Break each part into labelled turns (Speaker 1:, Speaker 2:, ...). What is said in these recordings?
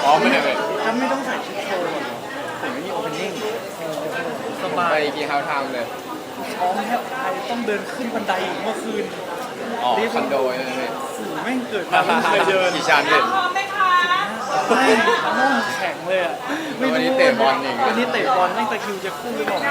Speaker 1: อ๋อไม่ได้เลย
Speaker 2: ถ้าไม่ต้องใส่ชุดโชว์ก่อนเหรอผมไม่มีโอเพนนิ่งสบา
Speaker 1: ไป
Speaker 2: ย
Speaker 1: กี่เฮาทามเลย
Speaker 2: ท้องแทบตายต้องเดินขึ้นบันไดอีกเมื่อคืน
Speaker 1: อ๋อคอนโดนั่นเอง
Speaker 2: สู่แม่งเกิดมาไม่เคยเดิน
Speaker 1: กี่ชั้นเนี่ย
Speaker 2: ไม่น่องแข็งเลยอ่ะ
Speaker 1: แล้ววันนี้เตะบอลอีก
Speaker 2: วันนี้เตะบอลแม่งตะคริวจะคู่ไปบอก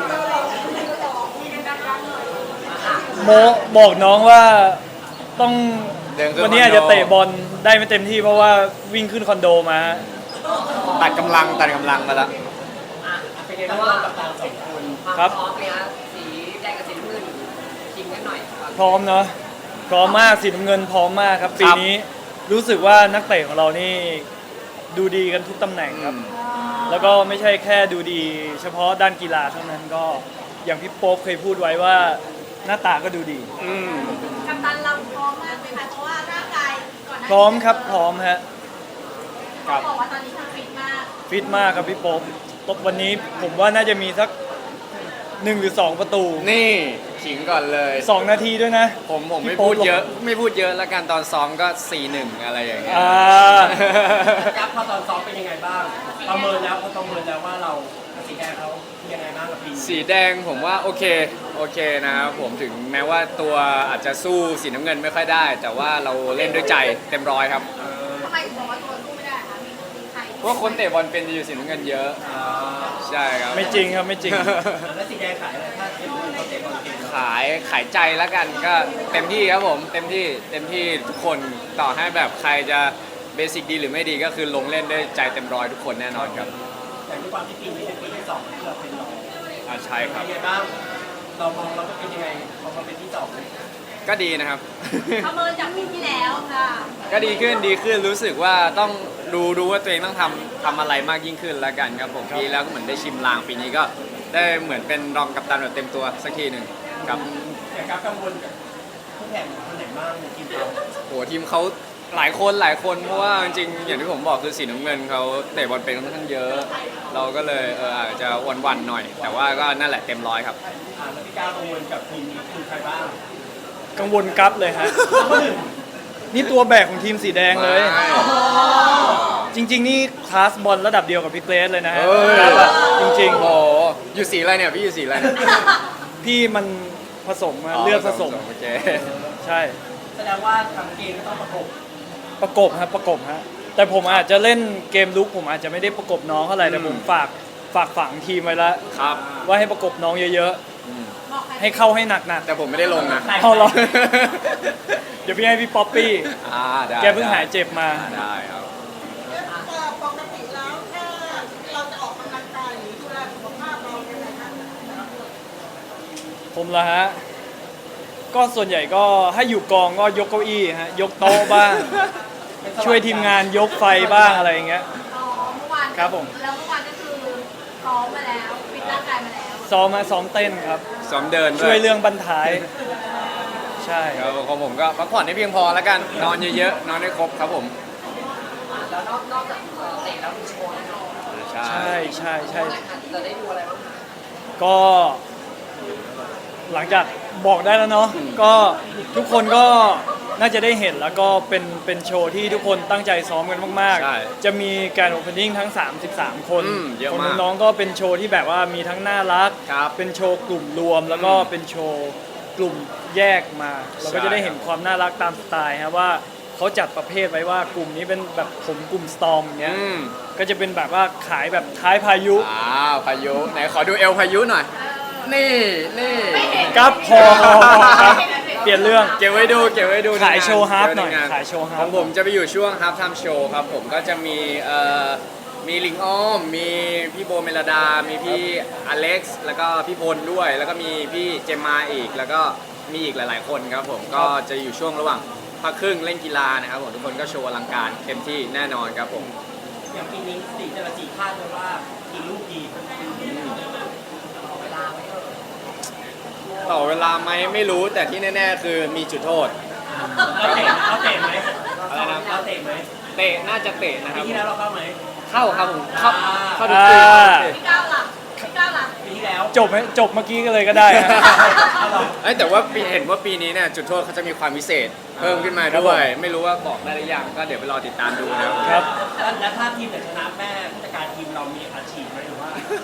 Speaker 2: โมบอกน้องว่าต้อง
Speaker 1: เดินขึ้น
Speaker 2: วันนี้
Speaker 1: คอนโด
Speaker 2: อาจจะเตะบอลได้ไม่เต็มที่เพราะว่าวิ่งขึ้นคอนโดมาฮะ
Speaker 1: ตัดกำลังมาละ
Speaker 3: เป็นไงบ้างกับการสองคน
Speaker 2: ครับ
Speaker 3: พร้อมไหมคะสีแดงกับสีน้ำเงินชิงกันหน่อยครับ
Speaker 2: พร้อมเนาะพร้อมมากสีน้ำเงินพร้อมมากครับปีนี้รู้สึกว่านักเตะของเรานี่ดูดีกันทุกตำแหน่งครับ แล้วก็ไม่ใช่แค่ดูดี เฉพาะด้านกีฬาเท่านั้นก็อย่างพี่โป๊ปเคยพูดไว้ว่าหน้าตาก็ดูดี
Speaker 4: กัปตันเราพร้อมมากเลยค่ะเพราะว่าร่างกายก่อนหน้านี้
Speaker 2: พร้อมครับพร้อมฮะ
Speaker 4: เขาบอกว่าตอนนี้ทำฟิตมาก
Speaker 2: ฟิตมากครับพี่โป๊ปวันนี้ผมว่าน่าจะมีสัก1 หรือ 2 ประตู
Speaker 1: นี่ขิงก่อนเลย
Speaker 2: 2 นาทีด้วยนะ
Speaker 1: ผมไม่
Speaker 2: พี่โป๊
Speaker 1: พู
Speaker 2: ป
Speaker 1: ดเยอะไม่พูดเยอะแล้วกันตอนซ้อมก็ 4-1 อะไรอย่างเงี้ย
Speaker 3: ยับพอตอนซ้อมเป็นยังไงบ้างประเมินแล้วว่าเรากับสีแดงเขายังไงบ้างกับปีนี้
Speaker 1: สีแดงผมว่าโอเคนะครับผมถึงแม้ว่าตัวอาจจะสู้สีน้ำเงินไม่ค่อยได้ แต่ว่าเราเล่นด้วยใจเต็มร้อยครับ
Speaker 4: ทำไมถึงบอกว่าตัวสู้ไม่ได้คะมีใคร
Speaker 1: เพราะว่าคนเตะบอลเป็นจะอยู่สีน้ำเงินเยอะใช่ครับ
Speaker 2: ไม่จริงครับไม่จริง
Speaker 3: แล้วสีแดงขายอะไรถ้าเห็นเขาเตะบอลเก่ง
Speaker 1: ขายใจแล้วกันก็เต็มที่ครับผมเต็มที่ทุกคนต่อให้แบบใครจะเบสิกดีหรือไม่ดีก็คือลงเล่นด้วยใจเต็มร้อยทุกคนแน่นอนครับ
Speaker 3: แต่ด้วยความที่ปีนี้เป็นปีที่สองที่เราเป็นรอง
Speaker 1: ใช่ครับ
Speaker 3: เป็นยังไงบ้างเรามองเราก็เป็นยังไงพอมาเป็นที่สอง
Speaker 1: ก็ดีนะครับ
Speaker 4: ประเมินจากปีที่แล้วค่ะ
Speaker 1: ก็ดีขึ้นรู้สึกว่าต้องรู้ว่าตัวเองต้องทำอะไรมากยิ่งขึ้นแล้วกันครับผมปีแล้วก็เหมือนได้ชิมลางปีนี้ก็ได้เหมือนเป็นรองกัปตันแบบเต็มตัวสักทีหนึ่งครับ
Speaker 3: แต่การกังวลกับผู้แข่งคนไหนบ้างในทีมเรา
Speaker 1: โหทีมเขาหลายคนเพราะว่าจริงๆอย่างที่ผมบอกคือสีน้ำเงินเขาเตะบอลเป็นค่อนข้างเยอะ เราก็เลยอาจจะวันๆหน่อย แต่ว่าก็นั่นแหละเต็มร้อยครับ
Speaker 3: แล้วพี่ก้าวกังวลกับทีมนี้คือใครบ้าง
Speaker 2: กังวลกั๊บเลยฮะ นี่ตัวแบกของทีมสีแดงเลย จริง ๆ นี่คลาสบอลระดับเดียวกับพี่เกรซเลยนะฮะ
Speaker 1: เอ้ย
Speaker 2: กั๊บอะจริง
Speaker 1: โอ้อยู่สีอะไรเนี่ยพี่อยู่สีอะไรเนี่ย
Speaker 2: ๆ พี่มันผสมมาเลือกผสม
Speaker 1: โอเค
Speaker 2: ใช่
Speaker 3: แสดงว่าทางเกมก็ต้องประกบ
Speaker 2: ประกบฮะประกบฮะแต่ผมอาจจะเล่นเกมลุกผมอาจจะไม่ได้ประกบน้องเท่าไหร่แต่ผมฝากฝังทีมไว้แล้ว
Speaker 1: ครับ
Speaker 2: ว่าให้ประกบน้องเยอะ
Speaker 4: บอกใคร
Speaker 2: ๆ ให้เข้าให้หนัก
Speaker 1: แต่ผมไม่ได้ลงนะ
Speaker 2: ๆเอาหรอ เดี๋ยวพี่ให้พี่ป๊อปปี้
Speaker 1: ได้
Speaker 2: แกเพิ่งหายเจ็บมา
Speaker 1: ได้ครับ
Speaker 4: ปกติแล้วถ้าเราจะออกกำลังกายหรือดูแลสุขภาพเราเป็นไงคะ
Speaker 2: ผมละฮะ ก็ส่วนใหญ่ก็ถ้าอยู่กองก็ยกเก้าอี้ฮะ ยกโต๊ะบ้าง ช่วยทีมงานยกไฟบ้างอะไรอย่างเงี้ย
Speaker 4: อ๋อเมื่อวาน
Speaker 2: ครับผม
Speaker 4: แล้วเมื่อวานก็คือซ้อมมาแล้วฟิตร่างกายมาแล้ว
Speaker 2: ซ้อมเต้นครับ
Speaker 1: ซ้อมเดิน
Speaker 2: ช่วยเรื่องบรรทาย ใช่
Speaker 1: ครับของผมก็พักผ่อนให้เพียงพอแล้วกัน นอนเยอะๆ นอนให้ครบครับผม
Speaker 3: แล้วนอกจากเตะแล้วมีโชว์แน่นอน
Speaker 1: ใช่
Speaker 2: ใช่ใช่
Speaker 3: จะได้ดูอะไรบ้างคะ
Speaker 2: ก็หลังจากบอกได้แล้วเนาะก็ทุกคนก็น่าจะได้เห็นแล้วก็เป็นโชว์ที่ทุกคนตั้งใจซ้อมกันมาก
Speaker 1: ใช่
Speaker 2: ๆ จะมีการโอเพนนิ่งทั้ง 33 คน
Speaker 1: เยอะ
Speaker 2: คน
Speaker 1: มาก
Speaker 2: น้องๆก็เป็นโชว์ที่แบบว่ามีทั้งน่ารัก
Speaker 1: ครับ
Speaker 2: เป็นโชว์กลุ่มรวม แล้วก็เป็นโชว์กลุ่มแยกมา เราก็จะได้เห็นความน่ารักตามสไตล์ฮะว่าเขาจัดประเภทไว้ว่ากลุ่มนี้เป็นแบบผมกลุ่มสตอมเนี้ย
Speaker 1: อืม
Speaker 2: ก็จะเป็นแบบว่าขายแบบท้ายพายุ
Speaker 1: พายุไหนขอดูเอลพายุหน่อย นี่นี่
Speaker 2: กับพอครับเปลี่ยนเรื่อง
Speaker 1: เก็บไว้ดูในงน
Speaker 2: ขายโชว์ฮาร์ฟหน่อย
Speaker 1: เก็บไในง
Speaker 2: ขายโชว์ฮาร์ฟ
Speaker 1: ของผมจะไปอยู่ช่วงฮาร์ฟไทม์โชว์ครับผมก็จะมีมีลิงอ้อม มีพี่โบเมลดา มีพี่อเล็กซ์แล้วก็พี่พลด้วย แล้วก็มีพี่เจมมาอีก แล้วก็มีอีกหลาย ๆ คนครับผมก็จะอยู่ช่วงระหว่างพักครึ่งเล่นกีฬานะครับผมทุกคนก็โชว์อลังการเต็มที่แน่นอนครับผม
Speaker 3: อย่างปีนี้สีแต่ละสีคาดไว้ว่ากี่ลูกดีเอาเวลาไว้เถอะ
Speaker 1: ต่อเวลาไหมไม่รู้แต่ที่แน่ ๆ คือมีจุดโทษ
Speaker 3: เราเตะไหม
Speaker 1: อะไรนะ
Speaker 3: เราเตะไหม
Speaker 1: เตะน่าจะเตะนะค
Speaker 3: ปี
Speaker 1: รับ
Speaker 3: ที่แล้วเราเข้าไหม
Speaker 1: เข้าครับผมเข้าทุก
Speaker 2: อ่า
Speaker 1: ปี
Speaker 4: พี่ก้าวหลับพี่ก้าวหลับ
Speaker 3: ปีที่แล้วแล้ว
Speaker 2: จบไหมจบเมื่อกี้ก็เลยก็ได้ฮะ
Speaker 1: เอ้ยแต่ว่าเห็นว่าปีนี้เนี่ยจุดโทษเขาจะมีความพิเศษเพิ่มขึ้นมาด้วย ไม่รู้ว่าบอกได้หรือยังก็เดี๋ยวไปรอติดตามดูนะครับ
Speaker 2: ครับ
Speaker 3: แล้วถ้าทีมไหนชนะแม่ผู้จัดการทีมเรามีอาชีพไหมหรือว่า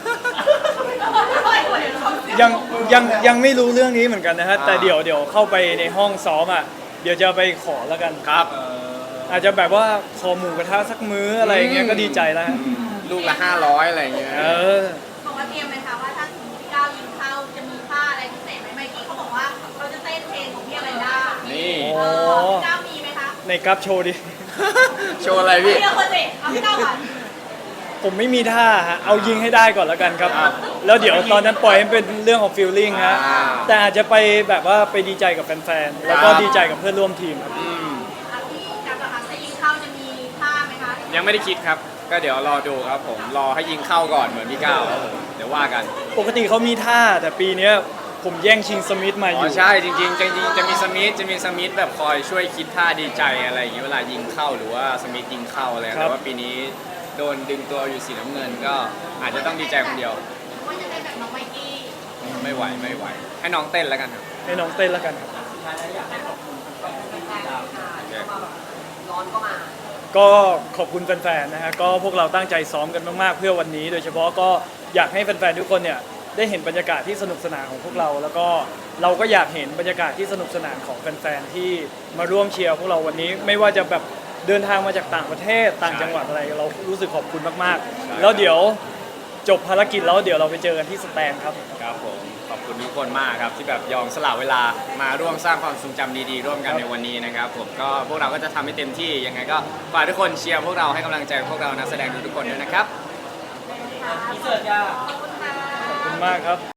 Speaker 2: ยังไม่รู้เรื่องนี้เหมือนกันนะฮะแต่เดี๋ยวเข้าไปในห้องซ้อมอ่ะเดี๋ยวจะไปขอแล้วกัน
Speaker 1: ครับ
Speaker 2: อาจจะแบบว่าขอหมูกระทะสักมื้ออะไรอย่างเงี้ยก็ดีใจแล้วฮะ
Speaker 1: ลูกละ500อะไรอย่างเงี้ย
Speaker 2: เออ
Speaker 5: บอกว่าเตรียมไหมคะว่าถ้าสมมติพี่ก้าวยิงเข้าจะมีท่าอะไรพิเศษไหมเมื่อกี้เขาบอกว่าเราจะเต้นเพลงของพี่อะไรได้
Speaker 1: นี่
Speaker 2: โอ้
Speaker 5: พี่ก้าวมีไหมคะ
Speaker 2: ในกราฟโชว์ดิ
Speaker 1: โชว์อะไรพี่
Speaker 5: เดี๋ยวคนเด็กเอาพี่ก้าวก่อน
Speaker 2: ผมไม่มีท่าฮะเอายิงให้ได้ก่อนแล้วกันครับ
Speaker 1: ครับ
Speaker 2: แล้วเดี๋ยวตอนนั้นปล่อยให้เป็นเรื่องของฟีลลิ่งฮะ
Speaker 1: อ่า
Speaker 2: แต่อาจจะไปแบบว่าไปดีใจกับแฟนๆแล้วก็
Speaker 1: ครับ
Speaker 2: ดีใจกับเพื่อนร่วมทีมครับ
Speaker 1: อืม
Speaker 5: อ่ะพี่กับนะคะจะยิงเข้าจะมีท่าไหมคะ
Speaker 1: ยังไม่ได้คิดครับ ก็เดี๋ยวรอดูครับผมรอให้ยิงเข้าก่อนเหมือนพี่ก้าวครับผมเดี๋ยวว่ากัน
Speaker 2: ปกติเขามีท่าแต่ปีเนี้ยผมแย่งชิงสมิธมาอ
Speaker 1: อ๋อยู่ ใช่จริงๆจะมีสมิธแบบคอยช่วยคิดท่าดีใจอะไรอย่างเงี้ยเวลายิงเข้าหรือว่าสมิธยิงเข้าอะไรแต่ว่าปีนี้โดนดึงตัวอยู่สีน้ำเงินก็อาจจะต้องดีใจคนเดียว
Speaker 5: ว่าจะได้แบบน้องไมกี้
Speaker 1: ไม่ไหวให้น้องเต้นแล้วกันครับ
Speaker 2: ให้น้องเต้นแล้วกันครับ
Speaker 3: สุดท้ายแล้วอยากให้ขอบคุณแฟนๆที่ติดตาม
Speaker 5: ร้อนก็มา
Speaker 2: ก็ขอบคุณแฟนๆนะฮะก็พวกเราตั้งใจซ้อมกันมากๆเพื่อวันนี้ โดยเฉพาะก็อยากให้แฟนๆทุกคนเนี่ยได้เห็นบรรยากาศที่สนุกสนานของพวกเรา แล้วก็เราก็อยากเห็นบรรยากาศที่สนุกสนานของแฟนๆที่มาร่วมเชียร์พวกเราวันนี้ไม่ว่าจะแบบเดินทางมาจากต่างประเทศต่างจังหวัดอะไรเรารู้สึกขอบคุณมากๆ แล้วเดี๋ยวจบภารกิจแล้วเดี๋ยวเราไปเจอกันที่สแตนครับ
Speaker 1: ครับผมขอบคุณทุกคนมากครับที่แบบยอมสละเวลามาร่วมสร้างความทรงจำดีๆร่วมกันในวันนี้นะครับผมก็พวกเราก็จะทำให้เต็มที่ยังไงก็ฝากทุกคนเชียร์พวกเราให้กำลังใจพวกเรานักแสดงทุกๆคนด้วยนะครับ
Speaker 3: พิเศษจ้า
Speaker 2: ขอบคุณมากครับ